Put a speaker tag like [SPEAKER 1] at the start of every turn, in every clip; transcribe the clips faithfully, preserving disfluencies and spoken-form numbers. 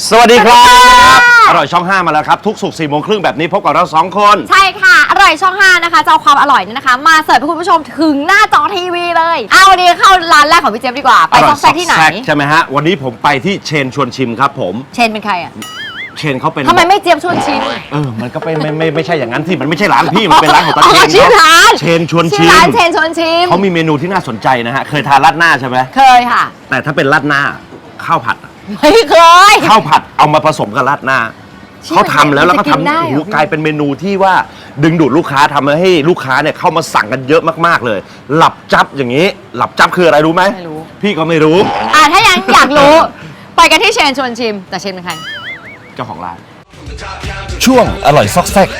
[SPEAKER 1] สวัสดีครับอร่อยช่องห้ามาแล้วครับทุกศุกร์สี่โมงครึ่งแบบนี้พบกับเราสองคน
[SPEAKER 2] ใช่ค่ะอร่อยช่องห้านะคะจะเอาความอร่อยนี่นะคะมาเสิร์ฟให้คุณผู้ชมถึงหน้าจอทีวีเลยเอาวันนี้เข้าร้านแรกของพี่เจฟดีกว่าไปซอกแซกที่ไหน
[SPEAKER 1] ใช่ไหมฮะวันนี้ผมไปที่เชนชวนชิมครับผม
[SPEAKER 2] เชนเป็นใครอ่ะ
[SPEAKER 1] เชนเขาเป็น
[SPEAKER 2] ทำไมไม่เจี๊ยบชวนชิม
[SPEAKER 1] เออมันก็เป็นไม่ไม่ไม่ใช่อย่างนั้นที่มันไม่ใช่ร้านพี่มันเป็นร้านของตาเชน
[SPEAKER 2] ชื่อร้าน
[SPEAKER 1] เชนชวนชิม
[SPEAKER 2] ร้านเชนชวนชิม
[SPEAKER 1] เขามีเมนูที่น่าสนใจนะฮะเคยทานราดหน้าใช่ไหม
[SPEAKER 2] เคยค่ะ
[SPEAKER 1] แต่ถ้าเป็นราดหน้าข้าวผัด
[SPEAKER 2] ไม่เคย
[SPEAKER 1] ข้าวผัดเอามาผสมกับราดหน้าเขาทำแล้วแล้วก็ทำโอ้โหกลายเป็นเมนูที่ว่าดึงดูดลูกค้าทำให้ลูกค้าเนี่ยเข้ามาสั่งกันเยอะมากๆเลยหลับจับอย่างนี้หลับจับคืออะไรรู้ไหม
[SPEAKER 2] ไม่รู้
[SPEAKER 1] พี่ก็ไม่รู้
[SPEAKER 2] อ่าถ้ายังอยากรู้ไปกันที่เชนชวนชิมแต่เชนเป็นใคร
[SPEAKER 1] เจ้าของร้านช่วงอร่อยซอกแซก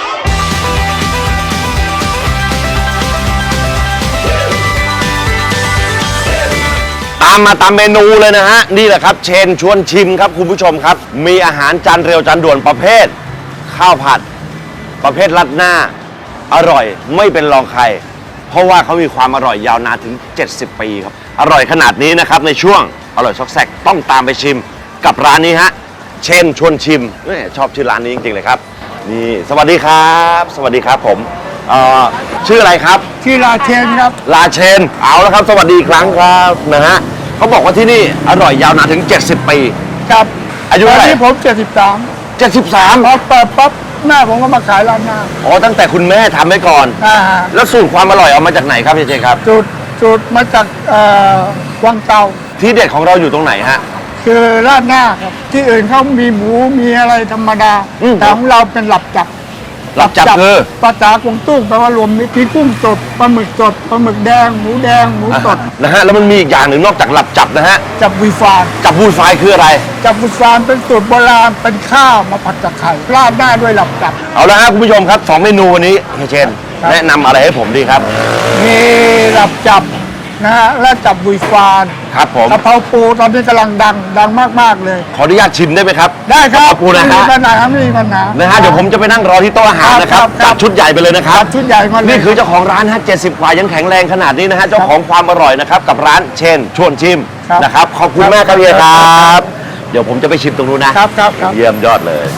[SPEAKER 1] ตามมาตามเมนูเลยนะฮะนี่แหละครับเชนชวนชิมครับคุณผู้ชมครับมีอาหารจานเร็วจานด่วนประเภทข้าวผัดประเภทราดหน้าอร่อยไม่เป็นรองใครเพราะว่าเขามีความอร่อยยาวนานถึงเจ็ดสิบปีครับอร่อยขนาดนี้นะครับในช่วงอร่อยซอกแซกต้องตามไปชิมกับร้านนี้ฮะเชนชวนชิมชอบชื่อร้านนี้จริงๆเลยครับนี่สวัสดีครับสวัสดีครับผมเอ่อชื่ออะไรครับ
[SPEAKER 3] ชื่อลาเชนครับ
[SPEAKER 1] ลาเชนเอาแล้วครับสวัสดีอีกครั้งครับนะฮะเขาบอกว่าที่นี่อร่อยยาวนานถึงเจ็ดสิบปี
[SPEAKER 3] ครับ
[SPEAKER 1] อายุเท่าไหร่
[SPEAKER 3] ตอนนี้ผมเจ็ดสิบสาม
[SPEAKER 1] เจ็ดสิบสาม
[SPEAKER 3] พอเปิดปั๊บแม่ผมก็มาขายร้านหน้า
[SPEAKER 1] อ๋อตั้งแต่คุณแม่ทำไว้ก่อน
[SPEAKER 3] อ่า
[SPEAKER 1] แล้วสูตรความอร่อยเอามาจากไหนครับเจเจครับ
[SPEAKER 3] สูตรสูตรมาจากเอ่อวังเตา
[SPEAKER 1] ที่เด็ดของเราอยู่ตรงไหนฮะ
[SPEAKER 3] คือราดหน้าครับที่อื่นเขามีหมูมีอะไรธรรมดาแต่ของเราเป็นหลับจับ
[SPEAKER 1] หลับจับคือ
[SPEAKER 3] ภาษากวางตุ้งแปลว่ารวมมีกุ้งสดปลาหมึกสดปลาหมึกแดงหมูแดงหมูสด
[SPEAKER 1] นะฮะแล้วมันมีอีกอย่างหนึ่งนอกจากหลับจับนะฮะ
[SPEAKER 3] จับวีฟาน
[SPEAKER 1] จับวูดไฟคืออะไร
[SPEAKER 3] จับวูดฟานเป็นสูตรโบราณเป็นข้าวมาผัดกับไข่ราดหน้าด้วยหลับจับ
[SPEAKER 1] เอาละครับคุณผู้ชมครับสองเมนูวันนี้เฮียเชนแนะนำอะไรให้ผมดีครับ
[SPEAKER 3] มีหลับจับนะฮะและจับวีฟาน
[SPEAKER 1] ครับผม
[SPEAKER 3] กะเพราปูตอนนี้กำลังดังดังมากๆเลย
[SPEAKER 1] ขออนุญาตชิมได้ไหมครับ
[SPEAKER 3] ได้ครับ
[SPEAKER 1] ปูนะฮะ
[SPEAKER 3] ไม่มีปัญหาไม่มีปัญหา
[SPEAKER 1] นะฮะเดี๋ยวผมจะไปนั่งรอที่โต๊ะอาหารนะครับจัดชุดใหญ่ไปเลยนะครับ
[SPEAKER 3] ชุดใหญ่ก่อนเลย
[SPEAKER 1] นี่คือเจ้าของร้านฮะเจ็ดสิบกว่ายังแข็งแรงขนาดนี้นะฮะเจ้าของความอร่อยนะครับกับร้านเชนชวนชิมนะครับขอบคุณมากครับเฮียครับเดี๋ยวผมจะไปชิมตรงนู้นนะครับ
[SPEAKER 3] ครับ
[SPEAKER 1] เยี่ยมยอดเลย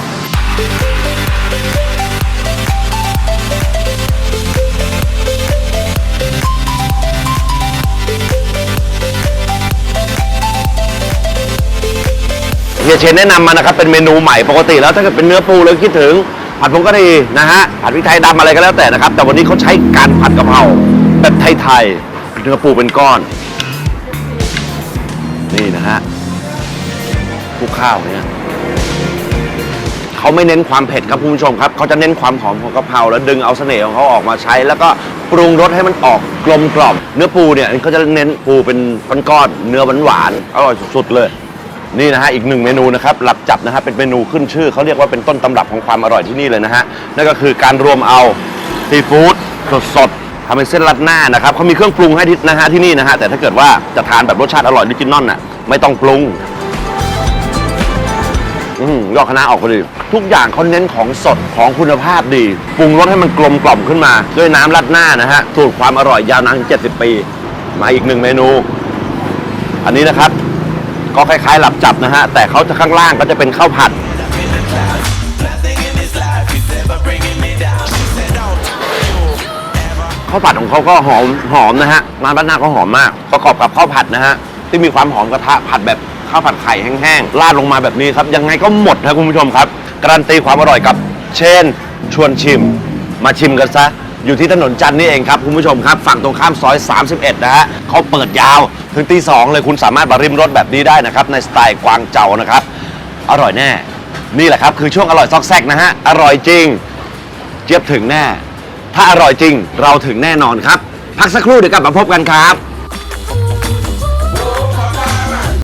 [SPEAKER 1] เฮียเชนแนะนำมานะครับเป็นเมนูใหม่ปกติแล้วถ้าเกิดเป็นเนื้อปูเราคิดถึงผัดผงกะหรี่นะฮะผัดพริกไทยดำอะไรก็แล้วแต่นะครับแต่วันนี้เขาใช้การผัดกะเพราแบบไทยๆเนื้อปูเป็นก้อนนี่นะฮะคลุกข้าวเนี่ยเขาไม่เน้นความเผ็ดครับคุณผู้ชมครับเขาจะเน้นความหอมของกะเพราแล้วดึงเอาเสน่ห์ของเขาออกมาใช้แล้วก็ปรุงรสให้มันออกกลมกล่อมเนื้อปูเนี่ยเขาจะเน้นปูเป็นก้อนๆเนื้อหวานๆอร่อยสุดๆเลยนี่นะฮะอีกหนึ่งเมนูนะครับหลับจับนะฮะเป็นเมนูขึ้นชื่อเขาเรียกว่าเป็นต้นตำรับของความอร่อยที่นี่เลยนะฮะนั่นก็คือการรวมเอาซีฟู้ดสดๆทำเป็นเส้นรัดหน้านะครับเขามีเครื่องปรุงให้นะฮะที่นี่นะฮะแต่ถ้าเกิดว่าจะทานแบบรสชาติอร่อยออริจินอลน่ะไม่ต้องปรุงอืมยอดคณะออกพอดีทุกอย่างเขาเน้นของสดของคุณภาพดีปรุงรสให้มันกลมกล่อมขึ้นมาด้วยน้ำรัดหน้านะฮะสูตรความอร่อยยาวนานเจ็ดสิบปีมาอีกหนึ่งเมนูอันนี้นะครับก็คล้ายๆหลับจับนะฮะแต่เขาจะข้างล่างก็จะเป็นข้าวผัดข้าวผัดของเขาก็หอมหอมนะฮะร้านบ้านหน้าก็หอมมากประกอบกับข้าวผัดนะฮะที่มีความหอมกระทะผัดแบบข้าวผัดไข่แห้งๆราดลงมาแบบนี้ครับยังไงก็หมดนะคุณผู้ชมครับการันตีความอร่อยกับเชนชวนชิมมาชิมกันซะอยู่ที่ถนนจันทร์นี่เองครับคุณผู้ชมครับฝั่งตรงข้ามซอยสามสิบเอ็ดนะฮะเขาเปิดยาวถึงตีสองเลยคุณสามารถมาริมรสแบบนี้ได้นะครับในสไตล์กวางเจานะครับอร่อยแน่นี่แหละครับคือช่วงอร่อยซอกแซกนะฮะอร่อยจริงเจี๊ยบถึงแน่ถ้าอร่อยจริงเราถึงแน่นอนครับพักสักครู่เดี๋ยวกลับมาพบกันครับ